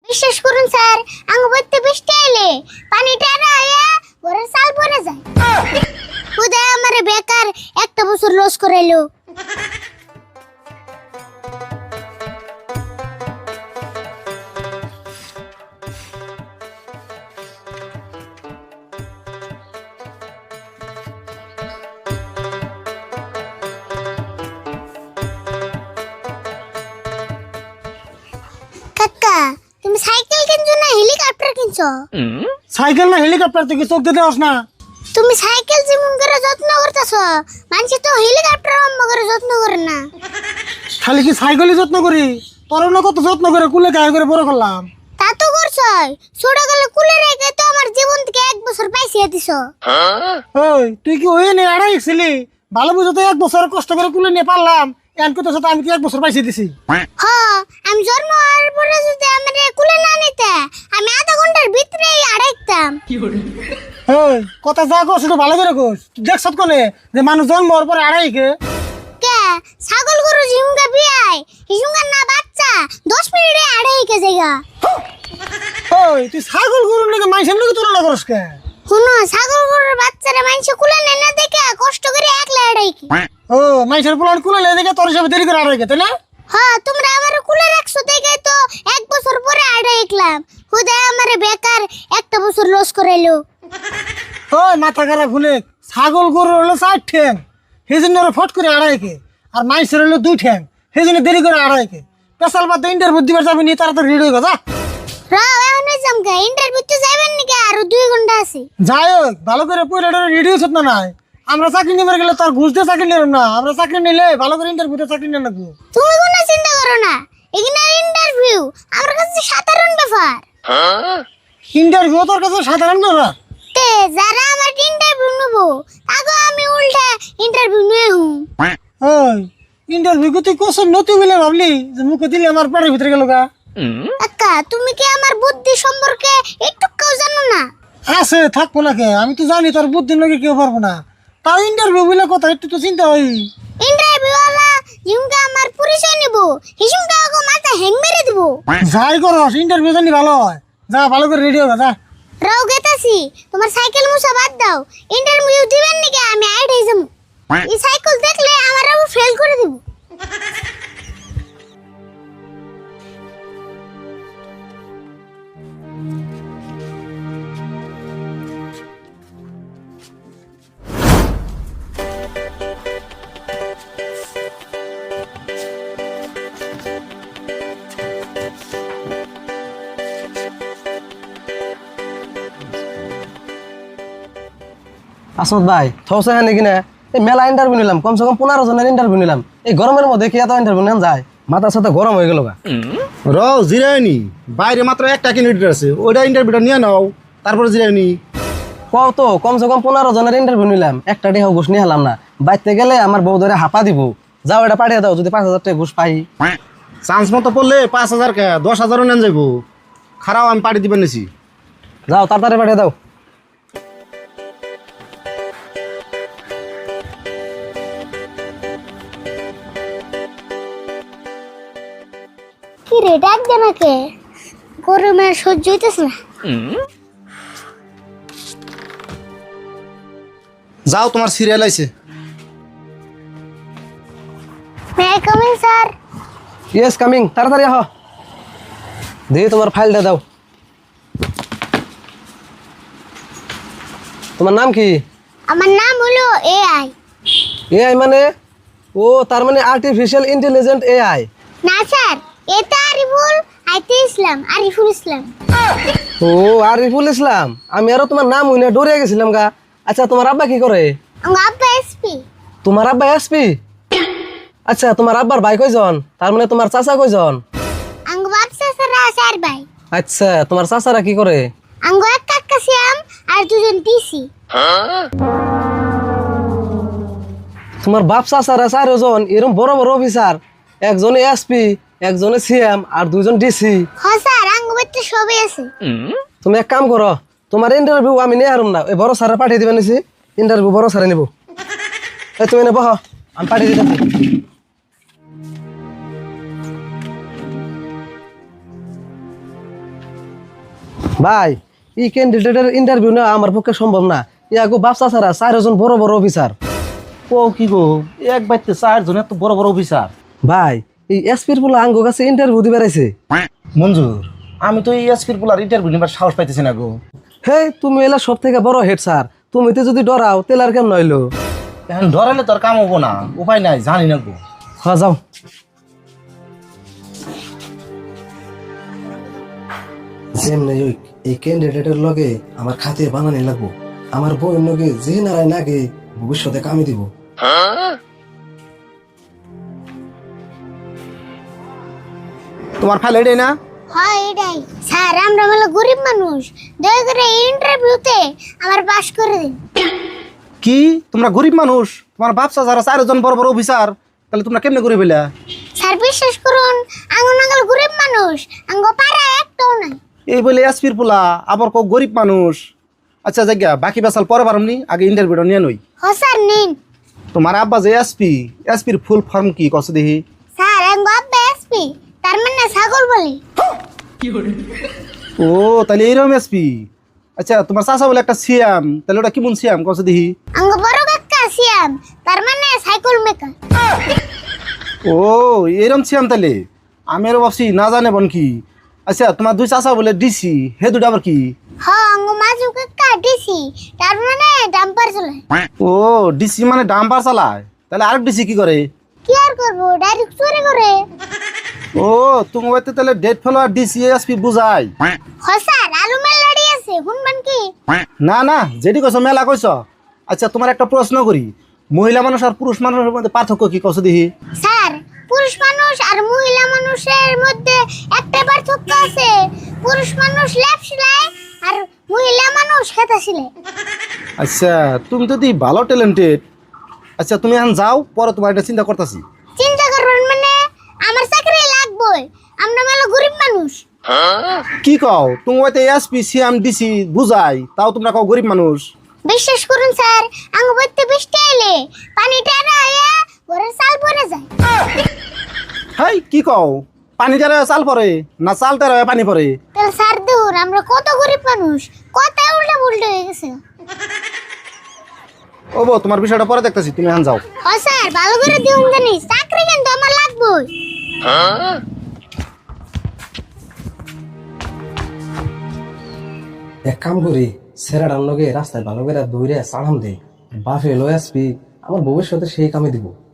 বিশ্বাস করুন স্যার, আঙ্গ বইতে বৃষ্টি এলে পানিটা আয়া ঘরের চাল পড়ে যায়। উদয় আমারে বেকার একটা বছর লস করাইলো। কাকা, তুমি সাইকেল কিনছো না হেলিকপ্টার কিনছো? সাইকেল না হেলিকপ্টার থেকে চোখ দিতে আস না। তুমি সাইকেল যেমন করে যত্ন করতেছো, মানুষ তো হেলিকপ্টার অম্ব করে যত্ন করে না। খালি কি সাইকেলই যত্ন করি? তোর না কত যত্ন করে কুলে গায়ে করে বড় করলাম। তা তো করছই, ছোট গেলে কুলে রেখে তো আমার জীবন থেকে 1 বছর পাইছিয়ে দিছো। ওই তুই কি ওই নিয়ে আড়াই ছিলি? ভালো বুঝো তো 1 বছর কষ্ট করে কুলে নিয়ে পারলাম, এন করতে সাথে আমি কি 1 বছর পাইছি দিছি? আমি জন্ম হওয়ার পরে যদি আমার কুলে না নিতে, আমি আধা ঘন্টার ভিতরেই আড়াইতাম। ওই কথা যা কস একটু ভালো করে কস। তুই দেখছ কোনে যে মানুষ জন্ম হওয়ার পরে আড়াই কে? কে ছাগল গরু ঝিমুঙ্গা বিয়াই হিসুঙ্গা না বাচ্চা 10 মিনিটে আড়াই কে জায়গা। ওই তুই ছাগল গরুর নাকি মাইসের নাকি তুলনা করস কে? শুনো, ছাগল গরুর বাচ্চারা মানুষ কুলে নেয় না দেখে কষ্ট করে একলা আড়াই কি। ও মাইসের পোলার কুলে লে দেখে তোর হিসাবে দেরি করে আড়াই কে, তাই না? তোমরা আমার কুলে রাখছো দেখে তো 1 বছর পরে আড়াইকলাম। হুদায় আমারে বেকার একটা বছর লস করাইলো। ওই মাথা খারাপ শুনে, ছাগল গরুর হলো 4 ঠ্যাং, সেই জন্য ওরা ফট করে আড়াই কে, আর মাইসের হলো 2 ঠ্যাং, সেই জন্য দেরি করে আড়াই কে। পেশাল বাদ ইন্টারভিউ দিবার যাবি নি, তাড়াতাড়ি রেডি হয়ে যা। এখন জামকা ইন্টারভিউতে যাবেন নাকি? আরো 2 ঘন্টা আছে। যাই হোক, ভালো করে পড়ে রেডি হচ্ছে না নাই। আমরা চাকরি নিবার গেলে তার ঘুষ দিয়ে চাকরি নিলাম না, আমরা চাকরি নিলে ভালো করে ইন্টারভিউতে চাকরি নিয়ে নেবো। তুমি কোনো চিন্তা করো না, এখানে ইন্টারভিউ আমার কাছে সাধারণ ব্যাপার। ইন্টারভিউ তোর কাছে সাধারণ ব্যাপার? তে যারা আমার ইন্টারভিউ নেবো তাকে আমি উল্টা ইন্টারভিউ নিয়ে হুম। ওই ইন্টারভিউ তুই কোশ্চেন নতি বলে ভাবলি যে মুখে দিলে আমার পেটের ভিতরে গেল গা? কাকা, তুমি কি আমার বুদ্ধি সম্পর্কে একটুও জানো না? আছে থাকবো না কে, আমি তো জানি তোর বুদ্ধির লোকে কেউ পারবো না। তাও ইন্টারভিউ বলে কথা একটু তো চিন্তা হয়। ইন্টারভিউ ওয়ালা জিমকা আমার পরিচয় নেব, হিসুমকা ওকে মাথা হ্যাং মেরে দেব। যাই করস ইন্টারভিউ জানি ভালো হয়, যা ভালো করে রেডি হবে যা। রাও গেতাছি, তোমার সাইকেল মুছা বাদ দাও। ইন্টারভিউ দিবেন নাকি আমি আইডাই যাবো। এই সাইকেল দেখলে আমার আবু ফেল করে দেব। আসমত ভাই থসে হ্যাঁ নাকি না? এই মেলা ইন্টারভিউ নিলাম, কমসে কম 15 জনের ইন্টারভিউ নিলাম। এই গরমের মধ্যে কি এত ইন্টারভিউ নেন যায়? মাথার সাথে গরম হয়ে গেল গা। জিরায়নি বাইরে মাত্র একটা ক্যান্ডিডেট আছে, ওইটা ইন্টারভিউটা নিয়ে নাও, তারপরে জিরায়নি। কও তো কমসে কম 15 জনের ইন্টারভিউ নিলাম, একটা টাকা ঘুষ নিয়ে হলাম না। বাইতে গেলে আমার বউ ধরে হাঁপা দিব। যাও এটা পাঠিয়ে দাও, যদি 5000 টাকা ঘুষ পাই। চান্স মতো পড়লে 5000 কে 10,000ও নেন যাবো। খারাপ আমি পাঠিয়ে দিবেন নিছি। যাও তাড়াতাড়ি পাঠিয়ে দাও। কি রে ডাক দে নাকে, গরমে সহ্য হইতেছে না। যাও তোমার সিরিয়াল আইছে। May I coming sir? Yes coming, তাড়াতাড়ি আহ। দিয়ে তোমার ফাইলটা দাও। তোমার নাম কি? আমার নাম হলো এআই। এআই মানে? ও তার মানে আর্টিফিশিয়াল ইন্টেলিজেন্ট এআই। না স্যার, এটা আরিফুল, আইতে ইসলাম, আরিফুল ইসলাম। ও আরিফুল ইসলাম, আমি আরো তোমার নাম হইনা ডরে গেছিলাম গা। আচ্ছা তোমার আব্বা কি করে? আমার আব্বা এসপি। তোমার আব্বা এসপি? আচ্ছা তোমার আব্বার ভাই কয়জন? তার মানে তোমার চাচা কয়জন? আঙ্গ বাপ চাচারা 4 ভাই। আচ্ছা তোমার চাচারা কি করে? আঙ্গ এক কাকা সিয়াম আর 2 জন টিসি। তোমার বাপ চাচারা 4 জন এরকম বড় বড় অফিসার, একজনে এসপি, একজনে সিএম আর 2 জন ডিসি। হ্যাঁ স্যার, আঙ্গ বাড়িতে সবই আছে। তুমি এক কাম করো, তোমার ইন্টারভিউ আমি নিয়ে হারুম না, ওই বড় স্যারে পাঠিয়ে দিবেন নিছি। ইন্টারভিউ বড় স্যারে নিব। এই তুমি এনে বহ, আমি পাঠিয়ে দিতেছি। ভাই এই ক্যান্ডিডেটের ইন্টারভিউ নেওয়া আমার পক্ষে সম্ভব না। ইয়াগো বাপসা ছাড়া 4 জন বড় বড় অফিসার। ও কি গো, এক বাইতে 4 জন এত বড় বড় অফিসার। ভাই এই এসপির পোলা আঙ্গো কাছে ইন্টারভিউ দিবে রাইছে। মঞ্জুর, আমি তো এই এসপির পোলার ইন্টারভিউ নিবার সাহস পাইতেছি না গো। হে তুমি এলা সব থেকে বড় হেড স্যার, তুমি তো যদি ডরাও তেল আর কেমন হইলো। এখন ধরালে তোর কাম হবো না, উপায় নাই, জানি না গো। হ্যাঁ যাও। যেমনি ওই এই ক্যান্ডিডেটের লগে আমার খাতির বানানি লাগবো। আমার বউয়ের লগে যে নারায় নাগে ভবিষ্যতে কামে দিব। তোমার ফাইল এটাই না? হয় এটাই স্যার, আমরা হলো গরিব মানুষ, দয়া করে ইন্টারভিউতে আমার পাস করে দিন। কি তোমরা গরিব মানুষ? তোমার বাপসা যারা 4 জন বড় বড় অফিসার, তাহলে তোমরা কেমনে গরিব হইলা? স্যার বিশ্বাস করুন, আঙ্গো নাঙ্গল গরিব মানুষ, আঙ্গো পাড়া একটাও নাই। এই বলে এসপির পোলা আবার কো গরিব মানুষ। আচ্ছা জায়গা বাকি বেসাল পরে পারমনি, আগে ইন্টারভিউটা নিয়ে নই। হ স্যার নিন। তোমার আব্বা যে এসপির ফুল ফর্ম কি কস দেখি? স্যার আঙ্গো আব্বা এসপি, তার মানে ছাগল বলি। ও তাহলে এইরকম এসপি। আচ্ছা তোমার চাচা বলে একটা সিএম, তাহলে ওটা কেমন সিএম কস দেখি? আঙ্গো বড় কাকা সিয়াম, তার মানে সাইকেল মেকার। ও এরকম সিএম তাহলে, আমি আরো ভাবছি না জানে বন কি। আচ্ছা তোমার 2 চাচা বলে ডিসি, হে দুটো আবার কি? হ আঙ্গো মাজু কাকা ডিসি, তার মানে ডাম্পার চলে। ও ডিসি মানে ডাম্পার চালায়, তাহলে আরেক ডিসি কি করে? কি আর করবো, ডাইরেক্ট চুরি করে। ও তুমি হয়তো তাহলে ডেট ফলো আর ডিসি এসপি বুঝাই। হ স্যার, আলু মেল লড়ি আছে, শুনবেন কি? না না, যেটি কইছ মেলা কইছ। আচ্ছা তোমার একটা প্রশ্ন করি, মহিলা মানুষ আর পুরুষ মানুষের মধ্যে পার্থক্য কি কস দেখি? স্যার পুরুষ মানুষ আর মহিলা মানুষের মধ্যে একটা পার্থক্য আছে, পুরুষ মানুষ লেপ সিলাই আর মহিলা মানুষ খেতা সিলাই। আচ্ছা তুমি তো দি ভালো ট্যালেন্টেড। আচ্ছা তুমি এখন যাও, পরে তোমার এটা চিন্তা করতেছি। চিন্তা করবেন মানে আমার চাকরি লাগবেই, আমরা মেলো গরিব মানুষ। কি কও, তুমি হয়তো এসপি সিএম ডিসি বুঝাই, তাও তোমরা কও গরিব মানুষ। বিশ্বাস করুন স্যার, আঙ্গ বইতে বৃষ্টি এলে পানি টেরা হইয়া ঘরের চাল পরে যায়। হাই কি কও, পানি যারা চাল পরে না চাল তারা পানি পরে? তাহলে স্যার দেখুন আমরা কত গরিব মানুষ, কথায় উল্টা পুল্টা হয়ে গেছে। ও বউ, তোমার বিষয়টা পরে দেখতেছি, তুমি এখন যাও। হ স্যার, ভালো করে দিউন জানি, চাকরি কিন্তু আমার লাগবেই। এক কাম করি, সেরাডার লগে রাস্তায় ভালো করে দৌড়ে সাড়াম দে, বাফে লয়াসপি আমার ভবিষ্যতে সেই কামে দিব।